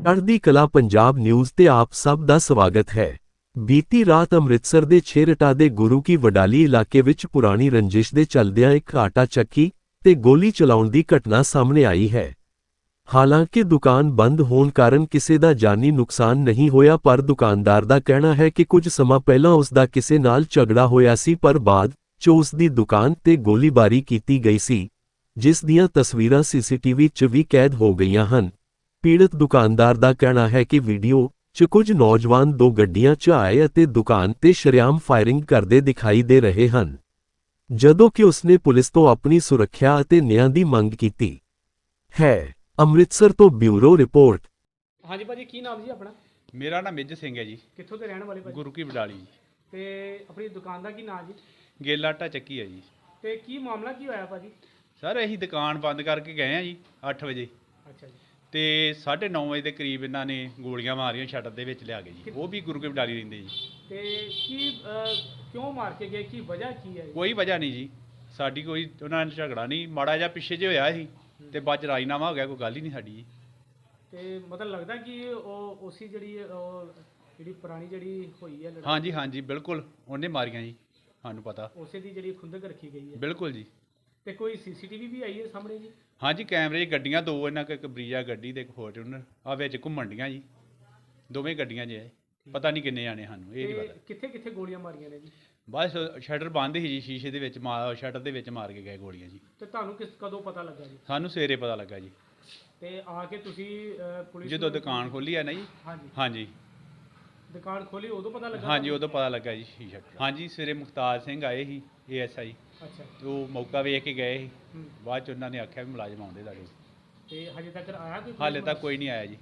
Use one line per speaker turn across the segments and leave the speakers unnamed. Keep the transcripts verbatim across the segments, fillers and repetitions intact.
ਚੜ੍ਹਦੀ ਕਲਾ ਪੰਜਾਬ ਨਿਊਜ਼ ਤੇ ਆਪ ਸਭ ਦਾ ਸਵਾਗਤ ਹੈ। ਬੀਤੀ ਰਾਤ ਅੰਮ੍ਰਿਤਸਰ ਦੇ ਛੇਹਰਟਾ ਦੇ ਗੁਰੂ ਕੀ ਵਡਾਲੀ ਇਲਾਕੇ ਵਿੱਚ ਪੁਰਾਣੀ ਰੰਜਿਸ਼ ਦੇ ਚੱਲਦਿਆਂ ਇੱਕ ਆਟਾ ਚੱਕੀ ਤੇ ਗੋਲੀ ਚਲਾਉਣ ਦੀ ਘਟਨਾ ਸਾਹਮਣੇ ਆਈ ਹੈ। ਹਾਲਾਂਕਿ ਦੁਕਾਨ ਬੰਦ ਹੋਣ ਕਾਰਨ ਕਿਸੇ ਦਾ ਜਾਨੀ ਨੁਕਸਾਨ ਨਹੀਂ ਹੋਇਆ, ਪਰ ਦੁਕਾਨਦਾਰ ਦਾ ਕਹਿਣਾ ਹੈ ਕਿ ਕੁਝ ਸਮਾਂ ਪਹਿਲਾਂ ਉਸ ਦਾ ਕਿਸੇ ਨਾਲ ਝਗੜਾ ਹੋਇਆ ਸੀ, ਪਰ ਬਾਅਦ 'ਚ ਉਸ ਦੀ ਦੁਕਾਨ ਤੇ ਗੋਲੀਬਾਰੀ ਕੀਤੀ ਗਈ ਸੀ, ਜਿਸ ਦੀਆਂ ਤਸਵੀਰਾਂ ਸੀਸੀਟੀਵੀ 'ਚ ਵੀ ਕੈਦ ਹੋ ਗਈਆਂ ਹਨ। ਪੀੜਤ ਦੁਕਾਨਦਾਰ ਦਾ ਕਹਿਣਾ ਹੈ ਕਿ ਵੀਡੀਓ 'ਚ ਕੁਝ ਨੌਜਵਾਨ ਦੋ ਗੱਡੀਆਂ 'ਚ ਆਏ ਅਤੇ ਦੁਕਾਨ ਤੇ ਸ਼ਰੇਆਮ ਫਾਇਰਿੰਗ ਕਰਦੇ ਦਿਖਾਈ ਦੇ ਰਹੇ ਹਨ, ਜਦੋਂ ਕਿ ਉਸਨੇ ਪੁਲਿਸ ਤੋਂ ਆਪਣੀ ਸੁਰੱਖਿਆ ਅਤੇ ਨਿਆਂ ਦੀ ਮੰਗ ਕੀਤੀ ਹੈ। ਅੰਮ੍ਰਿਤਸਰ ਤੋਂ ਬਿਊਰੋ ਰਿਪੋਰਟ।
ਹਾਂਜੀ ਭਾਜੀ, ਕੀ ਨਾਮ ਜੀ ਆਪਣਾ?
ਮੇਰਾ ਨਾਮ ਮਿੱਝ ਸਿੰਘ ਹੈ ਜੀ।
ਕਿੱਥੋਂ ਦੇ ਰਹਿਣ ਵਾਲੇ ਭਾਜੀ?
ਗੁਰੂ ਕੀ ਵਡਾਲੀ ਜੀ।
ਤੇ ਆਪਣੀ ਦੁਕਾਨ ਦਾ ਕੀ ਨਾਮ ਜੀ?
ਗੇਲਾ ਆਟਾ ਚੱਕੀ ਹੈ ਜੀ।
ਤੇ ਕੀ ਮਾਮਲਾ ਕੀ ਹੋਇਆ ਭਾਜੀ?
ਸਰ ਅਸੀਂ ਦੁਕਾਨ ਬੰਦ ਕਰਕੇ ਗਏ ਆ ਜੀ ਅੱਠ ਵਜੇ,
ਅੱਛਾ ਜੀ।
ਤੇ ਸਾਢੇ ਨੌ ਵਜੇ ਦੇ ਕਰੀਬ ਇਹਨਾਂ ਨੇ ਗੋਲੀਆਂ ਮਾਰੀਆਂ, ਸ਼ਟਰ ਦੇ ਵਿੱਚ ਲਿਆ ਕੇ ਜੀ। ਉਹ ਵੀ ਗੁਰੂ ਕੀ ਵਡਾਲੀ ਰਹਿੰਦੇ ਜੀ।
ਤੇ ਕੀ ਅਹ, ਕਿਉਂ ਮਾਰ ਕੇ ਗਏ? ਕੀ ਵਜ੍ਹਾ ਕੀ ਹੈ?
ਕੋਈ ਵਜ੍ਹਾ ਨਹੀਂ ਜੀ, ਸਾਡੀ ਕੋਈ ਉਹਨਾਂ ਨਾਲ ਝਗੜਾ ਨਹੀਂ, ਮਾੜਾ ਜਿਹਾ ਪਿੱਛੇ ਜੇ ਹੋਇਆ ਸੀ ਤੇ ਬਾਅਦ 'ਚ ਰਾਜੀਨਾਮਾ ਹੋ ਗਿਆ, ਕੋਈ ਗੱਲ ਹੀ ਨਹੀਂ ਸਾਡੀ ਜੀ।
ਤੇ ਮਤਲਬ ਲੱਗਦਾ ਕਿ ਉਹ ਉਸੇ ਜਿਹੜੀ ਉਹ ਜਿਹੜੀ ਪੁਰਾਣੀ ਜਿਹੜੀ ਹੋਈ ਹੈ ਲੜਾਈ,
ਹਾਂਜੀ ਹਾਂਜੀ ਬਿਲਕੁਲ ਉਹਨੇ ਮਾਰੀਆਂ ਜੀ, ਸਾਨੂੰ ਪਤਾ।
ਉਸੇ ਦੀ ਜਿਹੜੀ ਖੁੰਦਕ ਰੱਖੀ ਗਈ ਹੈ?
ਬਿਲਕੁਲ ਜੀ।
ਤੇ ਕੋਈ ਸੀਸੀਟੀਵੀ ਵੀ ਆਈ ਹੈ ਸਾਹਮਣੇ ਜੀ?
ਹਾਂਜੀ, ਕੈਮਰੇ 'ਚ ਗੱਡੀਆਂ ਦੋ, ਇਹਨਾਂ ਕੋਲ ਇੱਕ ਬਰੀਜਾ ਗੱਡੀ ਤੇ ਇੱਕ ਫੋਰਚੂਨਰ ਆ ਵਿੱਚ ਘੁੰਮਣ ਡੀਆਂ ਜੀ, ਦੋਵੇਂ ਗੱਡੀਆਂ 'ਚ ਹੈ। ਪਤਾ ਨਹੀਂ ਕਿੰਨੇ ਜਾਣੇ, ਸਾਨੂੰ ਇਹ ਨਹੀਂ ਪਤਾ।
ਕਿੱਥੇ ਕਿੱਥੇ ਗੋਲੀਆਂ ਮਾਰੀਆਂ ਨੇ ਜੀ?
ਬਸ ਸ਼ਟਰ ਬੰਦ ਸੀ ਜੀ, ਸ਼ੀਸ਼ੇ ਦੇ ਵਿੱਚ ਮਾਰ ਸ਼ਟਰ ਦੇ ਵਿੱਚ ਮਾਰ ਕੇ ਗਏ ਗੋਲੀਆਂ ਜੀ।
ਤੇ ਤੁਹਾਨੂੰ ਕਿਸ ਕਦੋਂ ਪਤਾ ਲੱਗਾ ਜੀ?
ਸਾਨੂੰ ਸਵੇਰੇ ਪਤਾ ਲੱਗਾ ਜੀ,
ਤੇ ਆ ਕੇ ਤੁਸੀਂ ਅਹ, ਪੁਲਿਸ
ਜਦੋਂ
ਨੂੰ-
ਦੁਕਾਨ ਖੋਲੀ ਆ ਨਾ ਜੀ।
ਹਾਂਜੀ,
ਹਾਂਜੀ
ਦੁਕਾਨ ਖੋਲੀ ਉਦੋਂ ਪਤਾ ਲੱਗਾ?
ਹਾਂਜੀ ਉਦੋਂ ਪਤਾ ਲੱਗਾ ਜੀ ਸ਼ੀਸ਼ਾ। ਹਾਂਜੀ ਸਵੇਰੇ ਮੁਖਤਾਰ ਸਿੰਘ ਆਏ ਸੀ ਏ ਐਸ ਆਈ,
ਅੱਛਾ।
ਉਹ ਮੌਕਾ ਵੇਖ ਕੇ ਗਏ ਸੀ।
ਹੂੰ।
ਬਾਅਦ 'ਚ ਉਹਨਾਂ ਨੇ ਆਖਿਆ ਵੀ ਮੁਲਾਜ਼ਮ ਆਉਂਦੇ ਤੁਹਾਡੇ।
ਤੇ ਹਜੇ ਤੱਕ ਆਇਆ ਕੋਈ?
ਹਾਲੇ ਤੱਕ ਕੋਈ ਨਹੀਂ ਆਇਆ ਜੀ।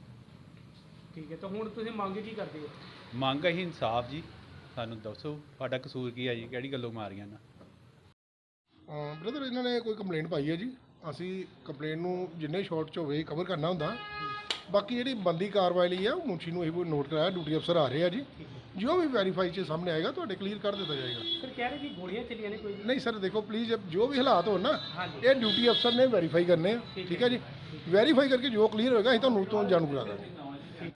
ਠੀਕ ਹੈ, ਤਾਂ ਹੁਣ ਤੁਸੀਂ ਮੰਗ ਕੀ ਕਰਦੇ ਹੋ?
ਮੰਗ ਅਸੀਂ ਇਨਸਾਫ ਜੀ, ਸਾਨੂੰ ਦੱਸੋ ਸਾਡਾ ਕਸੂਰ ਕੀ ਹੈ ਜੀ, ਕਿਹੜੀ ਗੱਲੋਂ ਮਾਰੀਆਂ ਨਾ।
ਬ੍ਰਦਰ ਇਹਨਾਂ ਨੇ ਕੋਈ ਕੰਪਲੇਂਟ ਪਾਈ ਹੈ ਜੀ। ਅਸੀਂ ਕੰਪਲੇਂਟ ਨੂੰ ਜਿੰਨੇ ਸ਼ਾਰਟ 'ਚ ਹੋਵੇ ਕਵਰ ਕਰਨਾ ਹੁੰਦਾ। ਬਾਕੀ ਜਿਹੜੀ ਬੰਦੀ ਕਾਰਵਾਈ ਲਈ ਆ ਉਹ ਮੁਨਸ਼ੀ ਨੂੰ ਇਹ ਨੋਟ ਕਰਾਇਆ, ਡਿਊਟੀ ਅਫਸਰ ਆ ਰਹੇ ਆ ਜੀ। ਜੋ ਵੀ ਵੈਰੀਫਾਈ 'ਚ ਸਾਹਮਣੇ ਆਏਗਾ ਤੁਹਾਡੇ ਕਲੀਅਰ ਕਰ ਦਿੱਤਾ ਜਾਏਗਾ।
ਸਰ ਕਹਿ ਰਹੇ ਕਿ ਗੋਲੀਆਂ ਚੱਲੀਆਂ ਨੇ ਕੋਈ?
ਨਹੀਂ ਸਰ, ਦੇਖੋ ਪਲੀਜ਼, ਜੋ ਵੀ ਹਾਲਾਤ ਹੋਣ ਨਾ,
ਹਾਂਜੀ।
ਇਹ ਡਿਊਟੀ ਅਫਸਰ ਨੇ ਵੈਰੀਫਾਈ ਕਰਨੇ ਆ। ਠੀਕ ਹੈ ਜੀ, ਵੈਰੀਫਾਈ ਕਰਕੇ ਜੋ ਕਲੀਅਰ ਹੋਏਗਾ ਅਸੀਂ ਤੁਹਾਨੂੰ ਤੋਂ ਜਾਣੂ ਕਰਾ ਦਾਂਗੇ।